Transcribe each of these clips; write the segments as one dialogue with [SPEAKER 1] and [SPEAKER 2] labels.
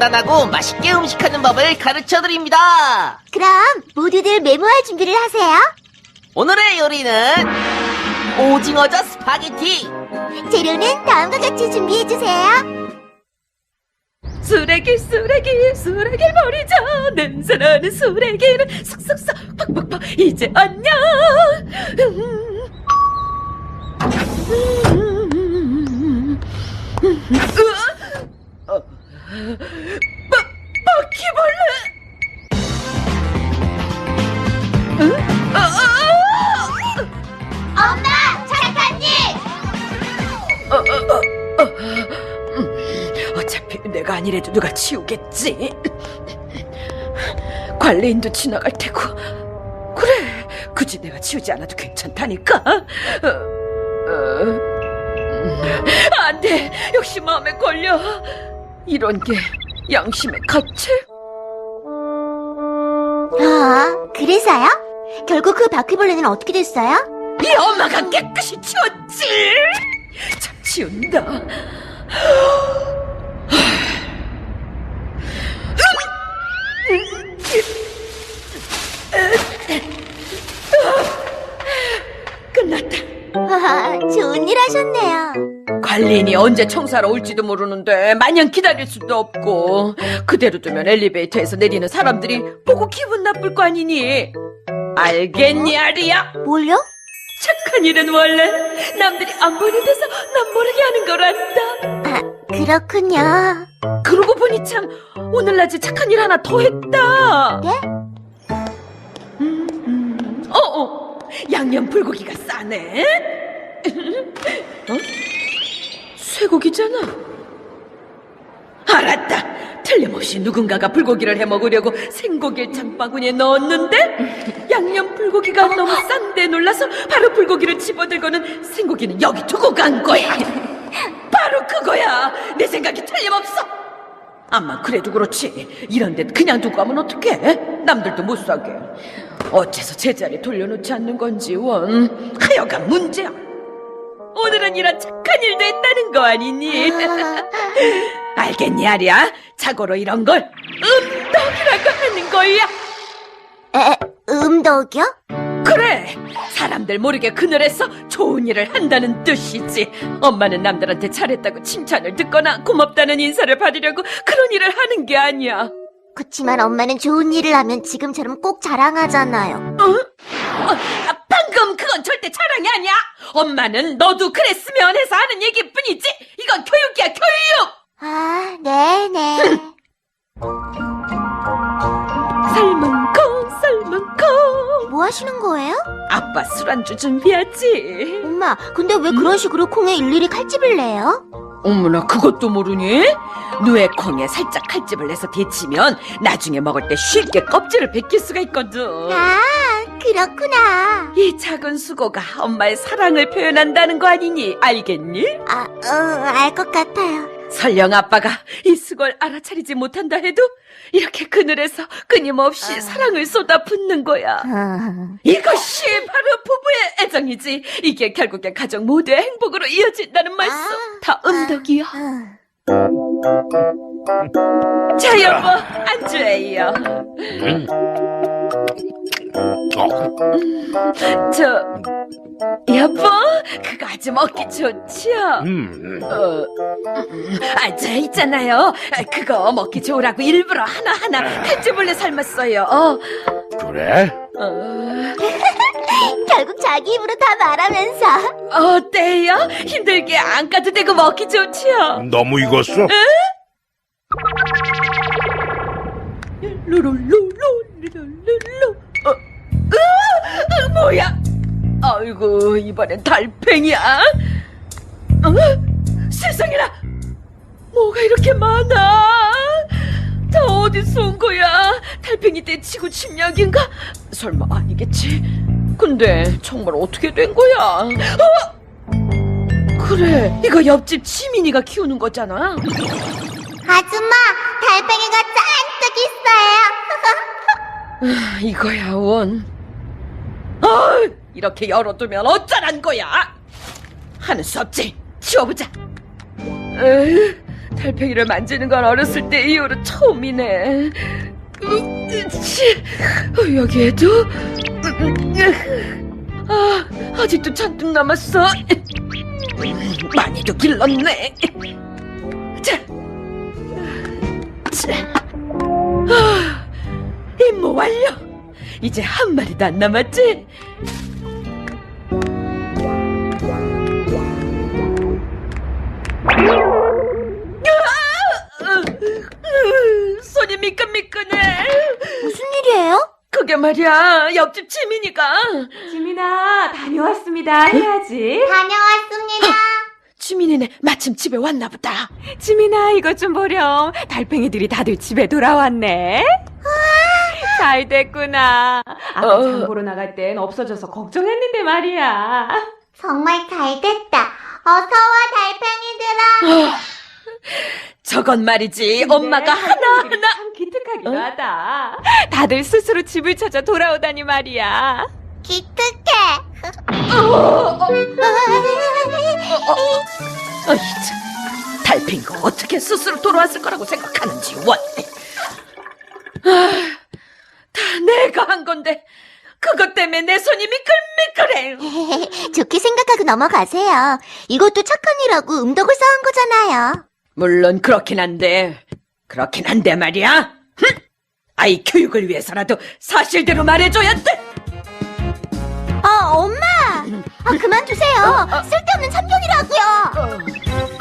[SPEAKER 1] 간단하고 맛있게 음식하는 법을 가르쳐드립니다.
[SPEAKER 2] 그럼 모두들 메모할 준비를 하세요.
[SPEAKER 1] 오늘의 요리는 오징어젓 스파게티.
[SPEAKER 2] 재료는 다음과 같이 준비해주세요.
[SPEAKER 3] 쓰레기 버리자. 냄새나는 쓰레기는 쏙쏙쏙 팍팍팍. 이제 안녕. 바퀴벌레.
[SPEAKER 2] 엄마, 착한님!
[SPEAKER 3] 어차피 내가 아니래도 누가 치우겠지. 관리인도 지나갈 테고. 그래, 굳이 내가 치우지 않아도 괜찮다니까. 안 돼, 역시 마음에 걸려. 이런 게 양심의 가책?
[SPEAKER 2] 아, 그래서요? 결국 그 바퀴벌레는 어떻게 됐어요?
[SPEAKER 3] 이 엄마가 깨끗이 치웠지. 참 치운다. 끝났다.
[SPEAKER 2] 와, 좋은 일 하셨네요.
[SPEAKER 3] 관리인이 언제 청소하러 올지도 모르는데 마냥 기다릴 수도 없고, 그대로 두면 엘리베이터에서 내리는 사람들이 보고 기분 나쁠 거 아니니. 알겠니, 아리야?
[SPEAKER 2] 뭘요?
[SPEAKER 3] 착한 일은 원래 남들이 안 보이는 데서 남 모르게 하는 거란다.
[SPEAKER 2] 아, 그렇군요.
[SPEAKER 3] 그러고 보니 참 오늘 낮에 착한 일 하나 더 했다.
[SPEAKER 2] 네?
[SPEAKER 3] 양념 불고기가 싸네. 어? 쇠고기잖아. 알았다. 틀림없이 누군가가 불고기를 해먹으려고 생고기를 장바구니에 넣었는데 양념 불고기가 너무 싼데 놀라서 바로 불고기를 집어들고는 생고기는 여기 두고 간 거야. 바로 그거야. 내 생각이 틀림없어. 암만 그래도 그렇지, 이런 데 그냥 두고 가면 어떡해? 남들도 못 사게. 어째서 제자리 돌려놓지 않는 건지 원. 하여간 문제야. 오늘은 이런 착한 일도 했다는 거 아니니? 알겠니, 아리야? 자고로 이런 걸 음덕이라고 하는 거야.
[SPEAKER 2] 음덕이요?
[SPEAKER 3] 그래, 사람들 모르게 그늘에서 좋은 일을 한다는 뜻이지. 엄마는 남들한테 잘했다고 칭찬을 듣거나 고맙다는 인사를 받으려고 그런 일을 하는 게 아니야.
[SPEAKER 2] 그치만 엄마는 좋은 일을 하면 지금처럼 꼭 자랑하잖아요.
[SPEAKER 3] 방금 그건 절대 자랑이 아니야. 엄마는 너도 그랬으면 해서 하는 얘기뿐이지. 이건 교육이야, 교육.
[SPEAKER 2] 아, 네네.
[SPEAKER 3] 삶은 콩.
[SPEAKER 2] 뭐 하시는 거예요?
[SPEAKER 3] 아빠 술안주 준비하지.
[SPEAKER 2] 엄마, 근데 왜 그런 식으로 콩에 일일이 칼집을 내요?
[SPEAKER 3] 어머나, 그것도 모르니? 누에 콩에 살짝 칼집을 내서 데치면 나중에 먹을 때 쉽게 껍질을 벗길 수가 있거든.
[SPEAKER 2] 아, 그렇구나.
[SPEAKER 3] 이 작은 수고가 엄마의 사랑을 표현한다는 거 아니니? 알겠니?
[SPEAKER 2] 알 것 같아요.
[SPEAKER 3] 설령 아빠가 이 수고를 알아차리지 못한다 해도 이렇게 그늘에서 끊임없이 사랑을 쏟아붓는 거야. 이것이 바로 부부의 애정이지. 이게 결국에 가정 모두의 행복으로 이어진다는 말씀. 다 음덕이야. 자, 여보, 안주해요. 여보, 그거 아주 먹기 좋지요? 저 있잖아요. 그거 먹기 좋으라고 일부러 하나하나 칼집을내 삶았어요.
[SPEAKER 4] 그래?
[SPEAKER 2] 결국 자기 입으로 다 말하면서.
[SPEAKER 3] 어때요? 힘들게 안 까도 되고 먹기 좋지요?
[SPEAKER 4] 너무 익었어?
[SPEAKER 3] 루루루루루루루. 뭐야? 아이고, 이번엔 달팽이야. 세상에나, 뭐가 이렇게 많아? 다 어디서 온 거야? 달팽이 떼치고 침략인가? 설마 아니겠지? 근데 정말 어떻게 된 거야? 그래, 이거 옆집 지민이가 키우는 거잖아.
[SPEAKER 2] 아줌마, 달팽이가 잔뜩 있어요.
[SPEAKER 3] 이거야, 원. 이렇게 열어두면 어쩌란 거야? 하는 수 없지. 치워보자. 달팽이를 만지는 건 어렸을 때 이후로 처음이네. 여기에도? 아직도 잔뜩 남았어. 많이도 길렀네. 자, 임무 완료. 이제 한 마리도 안 남았지? 손이 미끈미끈해.
[SPEAKER 2] 무슨 일이에요?
[SPEAKER 3] 그게 말이야, 옆집 지민이가.
[SPEAKER 4] 지민아, 다녀왔습니다. 해야지.
[SPEAKER 2] 다녀왔습니다.
[SPEAKER 3] 지민이네, 마침 집에 왔나 보다.
[SPEAKER 4] 지민아, 이것 좀 보렴. 달팽이들이 다들 집에 돌아왔네. 잘 됐구나. 아까 장 보러 나갈 땐 없어져서 걱정했는데 말이야.
[SPEAKER 2] 정말 잘 됐다. 어서와 달팽이들아.
[SPEAKER 3] 저건 말이지,
[SPEAKER 4] 근데
[SPEAKER 3] 엄마가
[SPEAKER 4] 달팽이들이
[SPEAKER 3] 하나하나.
[SPEAKER 4] 참 기특하기도 하다. 다들 스스로 집을 찾아 돌아오다니 말이야.
[SPEAKER 2] 기특해.
[SPEAKER 3] 어이, 참. 달팽이가 어떻게 스스로 돌아왔을 거라고 생각하는지, 원. 다 내가 한 건데, 그것 때문에 내 손이 미끌미끌해.
[SPEAKER 2] 좋게 생각하고 넘어가세요. 이것도 착한 일하고 음덕을 쌓은 거잖아요.
[SPEAKER 3] 물론 그렇긴 한데 말이야. 아이 교육을 위해서라도 사실대로 말해줘야 돼.
[SPEAKER 2] 엄마! 그만두세요. 쓸데없는 참견이라고요.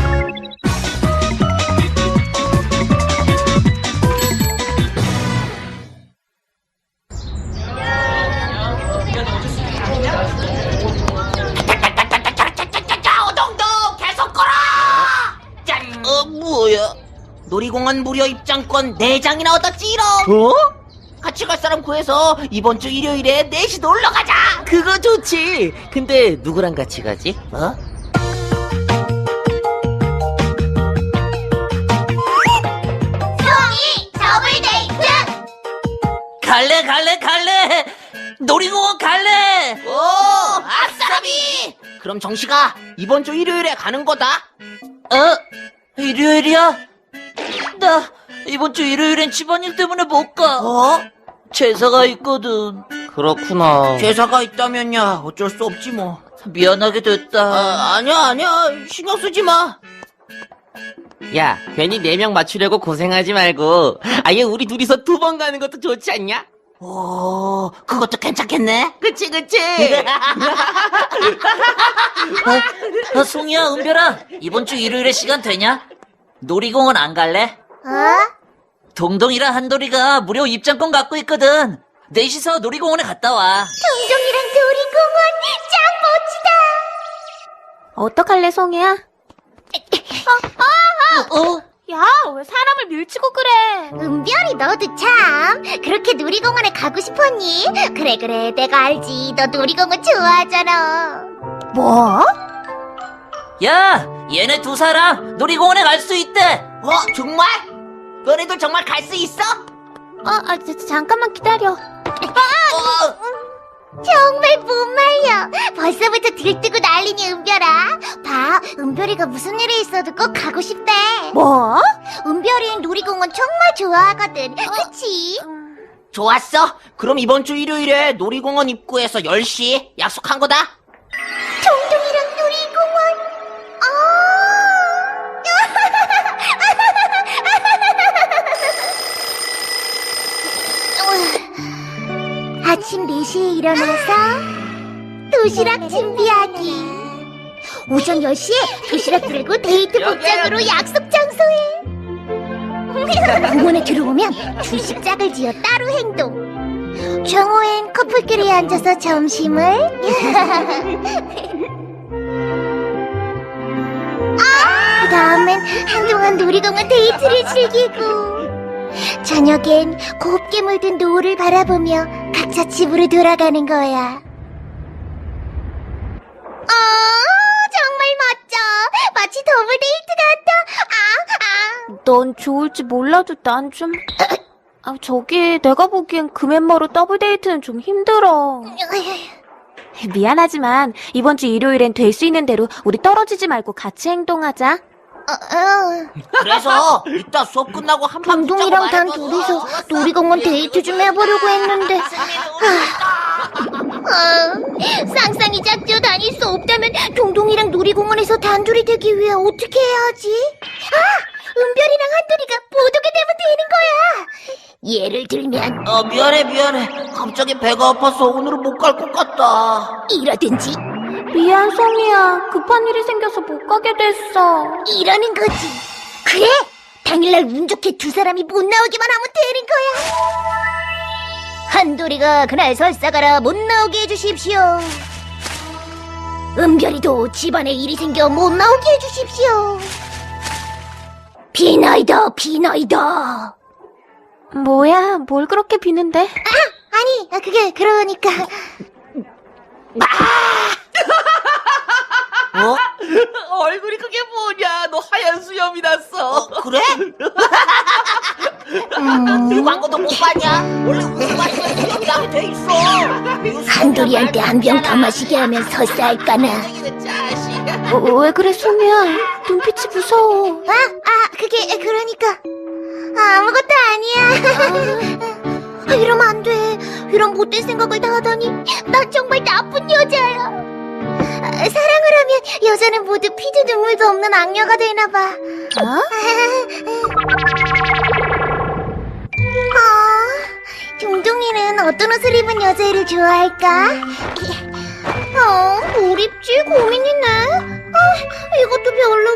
[SPEAKER 1] 오동동 계속 걸어. 짠. 뭐야? 놀이공원 무료 입장권 4장이나 얻었지롱. 같이 갈 사람 구해서 이번 주 일요일에 4시 놀러 가자. 그거 좋지. 근데 누구랑 같이 가지?
[SPEAKER 2] 수홍이 더블 데이트!
[SPEAKER 1] 갈래. 놀이공원 갈래. 오, 아싸비. 그럼 정식아, 이번 주 일요일에 가는 거다. 일요일이야? 나 이번 주 일요일엔 집안일 때문에 못 가. 제사가 있거든. 그렇구나. 제사가 있다면야 어쩔 수 없지 뭐. 미안하게 됐다. 아니야. 신경 쓰지 마. 야, 괜히 4명 맞추려고 고생하지 말고 아예 우리 둘이서 2번 가는 것도 좋지 않냐? 오, 그것도 괜찮겠네. 그치. 송이야, 은별아, 이번 주 일요일에 시간 되냐? 놀이공원 안 갈래? 동동이랑 한돌이가 무료 입장권 갖고 있거든. 넷이서 놀이공원에 갔다 와.
[SPEAKER 2] 동동이랑 놀이공원 짱 멋지다. 어떡할래, 송이야? 야, 왜 사람을 밀치고 그래? 은별이 너도 참 그렇게 놀이공원에 가고 싶었니? 그래 내가 알지. 너 놀이공원 좋아하잖아. 뭐?
[SPEAKER 1] 야, 얘네 2사람 놀이공원에 갈 수 있대. 정말? 너네들 정말 갈 수 있어?
[SPEAKER 2] 잠깐만 기다려. 정말 못 말려. 벌써부터 들뜨고 난리니 은별아. 봐, 은별이가 무슨 일이 있어도 꼭 가고 싶대. 뭐? 은별이는 놀이공원 정말 좋아하거든. 그치?
[SPEAKER 1] 좋았어. 그럼 이번 주 일요일에 놀이공원 입구에서 10시 약속한 거다.
[SPEAKER 2] 동동이랑 놀이공원. 아침 4시에 일어나서 도시락 준비하기. 오전 10시에 도시락 들고 데이트 복장으로 약속 장소에. 공원에 들어오면 둘씩 짝을 지어 따로 행동. 정오엔 커플끼리 앉아서 점심을. 그 다음엔 한동안 놀이공원 데이트를 즐기고, 저녁엔 곱게 물든 노을을 바라보며 각자 집으로 돌아가는 거야. 정말 멋져. 마치 더블 데이트 같아. 넌 좋을지 몰라도 난 좀... 저기 내가 보기엔 그 멤버로 더블 데이트는 좀 힘들어. 미안하지만 이번 주 일요일엔 될 수 있는 대로 우리 떨어지지 말고 같이 행동하자.
[SPEAKER 1] 그래서 이따 수업 끝나고 한 판
[SPEAKER 2] 동동이랑 단 둘이서 놀이공원 데이트 좀 해보려고 했는데 쌍쌍이 짝지어 다닐 수 없다면 동동이랑 놀이공원에서 단둘이 되기 위해 어떻게 해야 하지? 은별이랑 한돌이가 못 오게 되면 되는 거야. 예를 들면
[SPEAKER 1] 미안해. 갑자기 배가 아파서 오늘은 못 갈 것 같다.
[SPEAKER 2] 이라든지
[SPEAKER 4] 미안, 송이야. 급한 일이 생겨서 못 가게 됐어.
[SPEAKER 2] 이러는 거지. 그래, 당일날 운 좋게 두 사람이 못 나오기만 하면 되는 거야. 한돌이가 그날 설사가라 못 나오게 해주십시오. 은별이도 집안에 일이 생겨 못 나오게 해주십시오. 비나이다.
[SPEAKER 4] 뭐야, 뭘 그렇게 비는데?
[SPEAKER 2] 아니, 그게 그러니까.
[SPEAKER 3] 얼굴이 그게 뭐냐? 너 하얀 수염이 났어.
[SPEAKER 1] 그래? 이 광고도 못 봤냐? 원래 웃음 마시면 수염이 나게 돼 있어.
[SPEAKER 2] 한돌이한테 한 병 더 마시게 하면 설사할까나.
[SPEAKER 4] 왜 그래, 송이야? 눈빛이 무서워.
[SPEAKER 2] 그게 그러니까 아무것도 아니야. 이러면 안 돼. 이런 못된 생각을 다 하다니 나 정말 나쁜 여자야. 사랑을 하면 여자는 모두 피도 눈물도 없는 악녀가 되나 봐. 동동이는 어떤 옷을 입은 여자애를 좋아할까? 뭘 입지 고민이네. 이것도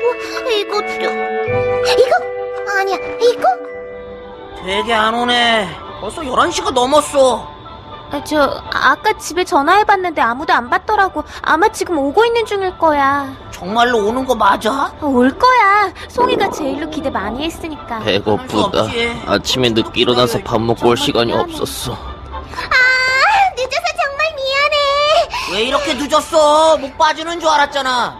[SPEAKER 2] 별로고 이거 아니야 이거.
[SPEAKER 1] 되게 안 오네. 벌써 11시가 넘었어.
[SPEAKER 4] 아까 집에 전화해봤는데 아무도 안 받더라고. 아마 지금 오고 있는 중일 거야.
[SPEAKER 1] 정말로 오는 거 맞아?
[SPEAKER 4] 올 거야. 송이가 제일로 기대 많이 했으니까.
[SPEAKER 5] 배고프다. 아침에 늦게 일어나서 밥 먹고 올 시간이 없었어.
[SPEAKER 2] 늦어서 정말 미안해.
[SPEAKER 1] 왜 이렇게 늦었어? 목 빠지는 줄 알았잖아.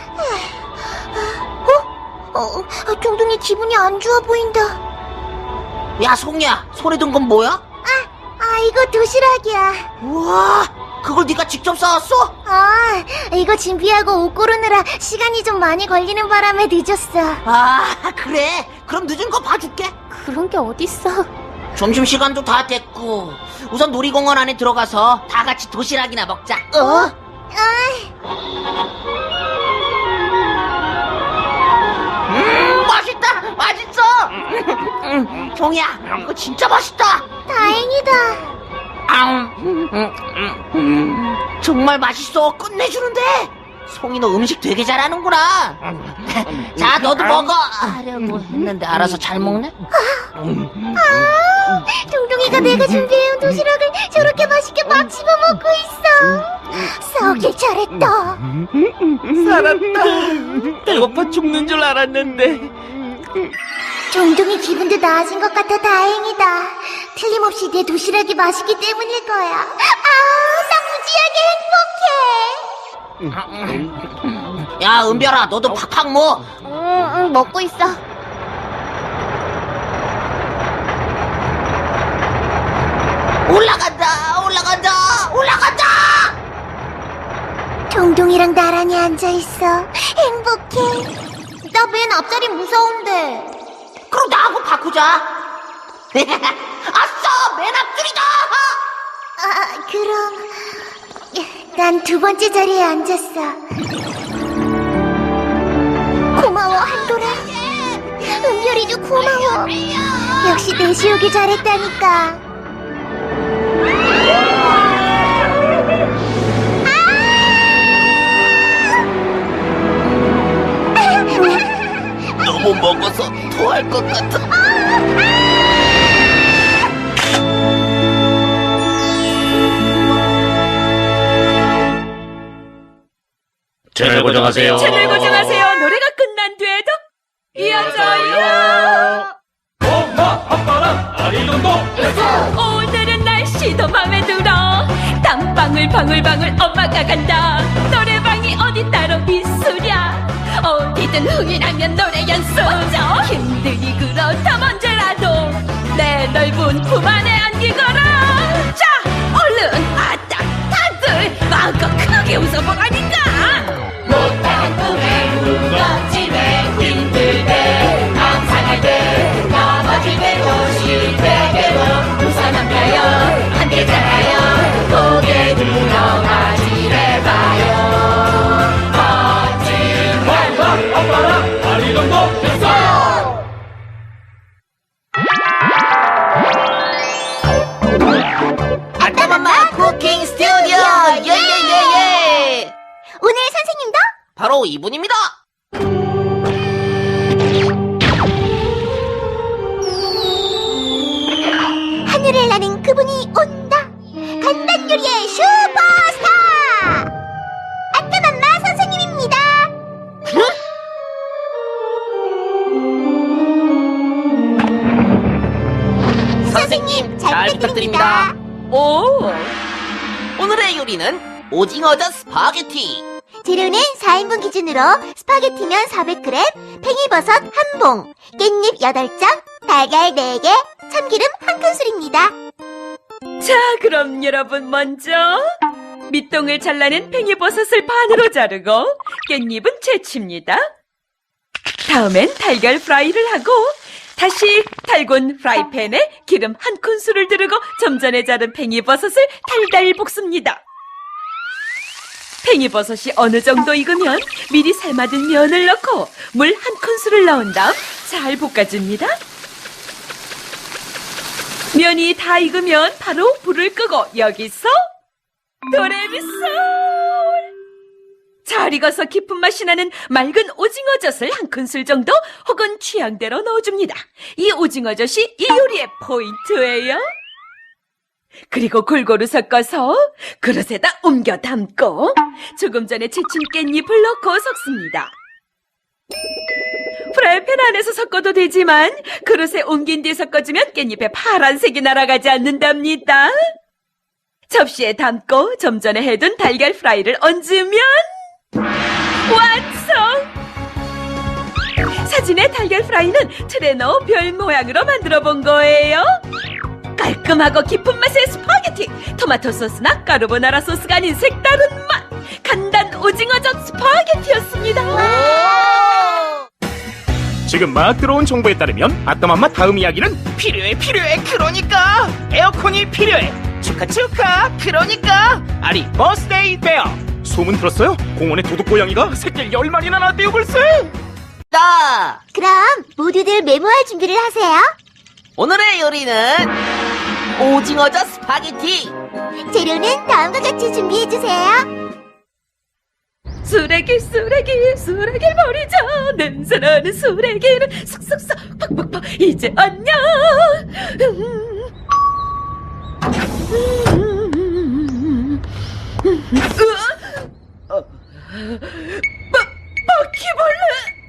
[SPEAKER 2] 동동이 기분이 안 좋아 보인다.
[SPEAKER 1] 야, 송이야. 손에 든 건 뭐야?
[SPEAKER 2] 이거 도시락이야.
[SPEAKER 1] 우와, 그걸 네가 직접 싸왔어?
[SPEAKER 2] 이거 준비하고 옷 고르느라 시간이 좀 많이 걸리는 바람에 늦었어.
[SPEAKER 1] 그래. 그럼 늦은 거 봐줄게.
[SPEAKER 4] 그런 게 어딨어.
[SPEAKER 1] 점심시간도 다 됐고 우선 놀이공원 안에 들어가서 다 같이 도시락이나 먹자. 맛있어. 종이야, 이거 진짜 맛있다.
[SPEAKER 2] 다행이다.
[SPEAKER 1] 정말 맛있어. 끝내주는데. 송이 너 음식 되게 잘하는구나. 자, 너도 먹어. 하려고 했는데 알아서 잘 먹네.
[SPEAKER 2] 동동이가 내가 준비해온 도시락을 저렇게 맛있게 막 집어먹고 있어. 싸우길 잘했다.
[SPEAKER 5] 살았다. 배고파 죽는 줄 알았는데.
[SPEAKER 2] 동동이 기분도 나아진 것 같아 다행이다. 틀림없이 내 도시락이 맛있기 때문일 거야. 나 무지하게 행복해.
[SPEAKER 1] 야, 은별아, 너도 팍팍 먹어.
[SPEAKER 2] 응, 먹고 있어.
[SPEAKER 1] 올라간다.
[SPEAKER 2] 동동이랑 나란히 앉아있어. 행복해. 나 맨 앞자리 무서운데.
[SPEAKER 1] 그럼 나하고 바꾸자. 아싸, 맨 앞줄이다.
[SPEAKER 2] 그럼 난 두 번째 자리에 앉았어. 고마워 한돌아. 은별이도 고마워. 역시 내시 오기 잘했다니까.
[SPEAKER 5] 너무 먹어서 토할 것 같아. 채널 고정하세요.
[SPEAKER 3] 채널 고정하세요. 노래가 끝난 뒤에도 이어져요. 오늘은 날씨도 맘에 들어. 땀방울 방울방울 엄마가 간다. 노래방이 어디 따로 있으랴. 어디든 흥이 나면 노래 연습. 힘들이 그렇다면 언제라도 내 넓은 품 안에 안기거라. 자, 얼른 아따 다들 마음껏 크게 웃어보라니까. 못한 꿈에 무겁지매 힘들
[SPEAKER 1] 아따맘마 쿠킹 스튜디오 예예예예.
[SPEAKER 2] 오늘 선생님도
[SPEAKER 1] 바로 이분입니다.
[SPEAKER 2] 하늘을 나는 그분이 온다. 간단 요리의 슈퍼스타 아따맘마 선생님입니다.
[SPEAKER 1] 선생님
[SPEAKER 2] 잘 부탁드립니다.
[SPEAKER 3] 오,
[SPEAKER 1] 오늘의 요리는 오징어젓 스파게티.
[SPEAKER 2] 재료는 4인분 기준으로 스파게티면 400g, 팽이버섯 1봉, 깻잎 8장, 달걀 4개, 참기름 1큰술입니다.
[SPEAKER 3] 자, 그럼 여러분 먼저 밑동을 잘라낸 팽이버섯을 반으로 자르고 깻잎은 채칩니다. 다음엔 달걀 프라이를 하고 다시 달군 프라이팬에 기름 1큰술을 두르고 좀 전에 자른 팽이버섯을 달달 볶습니다. 팽이버섯이 어느 정도 익으면 미리 삶아둔 면을 넣고 물 1큰술을 넣은 다음 잘 볶아줍니다. 면이 다 익으면 바로 불을 끄고 여기서 도레미솔! 잘 익어서 깊은 맛이 나는 맑은 오징어젓을 1큰술 정도 혹은 취향대로 넣어줍니다. 이 오징어젓이 이 요리의 포인트예요. 그리고 골고루 섞어서 그릇에다 옮겨 담고 조금 전에 채친 깻잎을 넣고 섞습니다. 프라이팬 안에서 섞어도 되지만 그릇에 옮긴 뒤 섞어주면 깻잎에 파란색이 날아가지 않는답니다. 접시에 담고 좀 전에 해둔 달걀 프라이를 얹으면 완성! 사진의 달걀 프라이는 틀에 넣어 별 모양으로 만들어 본 거예요. 깔끔하고 깊은 맛의 스파게티, 토마토 소스나 까르보나라 소스가 아닌 색다른 맛, 간단 오징어젓 스파게티였습니다.
[SPEAKER 6] 지금 막 들어온 정보에 따르면 아따맘마 다음 이야기는 필요해 그러니까 에어컨이 필요해 축하 그러니까 아리 버스데이 베어 소문 들었어요? 공원에 도둑고양이가 새끼를 10마리나 낳았대요 벌써.
[SPEAKER 1] 나
[SPEAKER 2] 그럼 모두들 메모할 준비를 하세요.
[SPEAKER 1] 오늘의 요리는 오징어젓 스파게티.
[SPEAKER 2] 재료는 다음과 같이 준비해주세요.
[SPEAKER 3] 쓰레기 버리자. 냄새나는 쓰레기는 쏙쏙쏙 팍팍팍 이제 안녕. 바퀴벌레.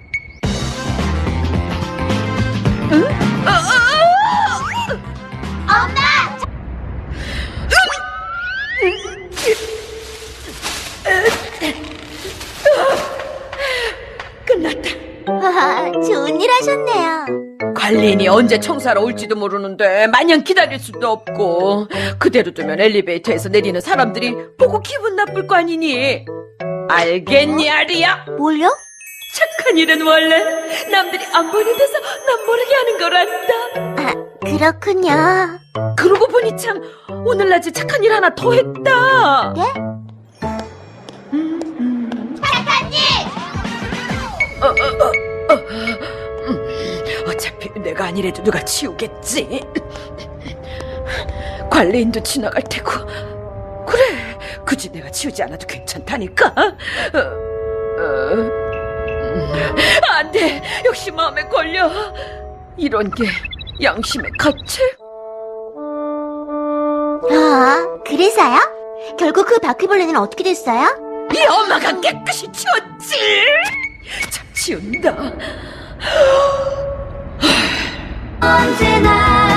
[SPEAKER 3] 끝났다.
[SPEAKER 2] 와, 좋은 일 하셨네요.
[SPEAKER 3] 관리인이 언제 청소하러 올지도 모르는데 마냥 기다릴 수도 없고 그대로 두면 엘리베이터에서 내리는 사람들이 보고 기분 나쁠 거 아니니. 알겠니 아리야?
[SPEAKER 2] 뭘요?
[SPEAKER 3] 착한 일은 원래 남들이 안 보는 데서 남 모르게 하는 거란다.
[SPEAKER 2] 아, 그렇군요.
[SPEAKER 3] 그러고 보니 참 오늘 낮에 착한 일 하나 더 했다.
[SPEAKER 2] 예?
[SPEAKER 3] 어차피 내가 아니래도 누가 치우겠지. 관리인도 지나갈 테고. 그래, 굳이 내가 치우지 않아도 괜찮다니까. 안 돼, 역시 마음에 걸려. 이런 게 양심의 가책.
[SPEAKER 2] 아, 그래서요? 결국 그 바퀴벌레는 어떻게 됐어요?
[SPEAKER 3] 이 엄마가 깨끗이 치웠지. 참 치운다.
[SPEAKER 2] 언제나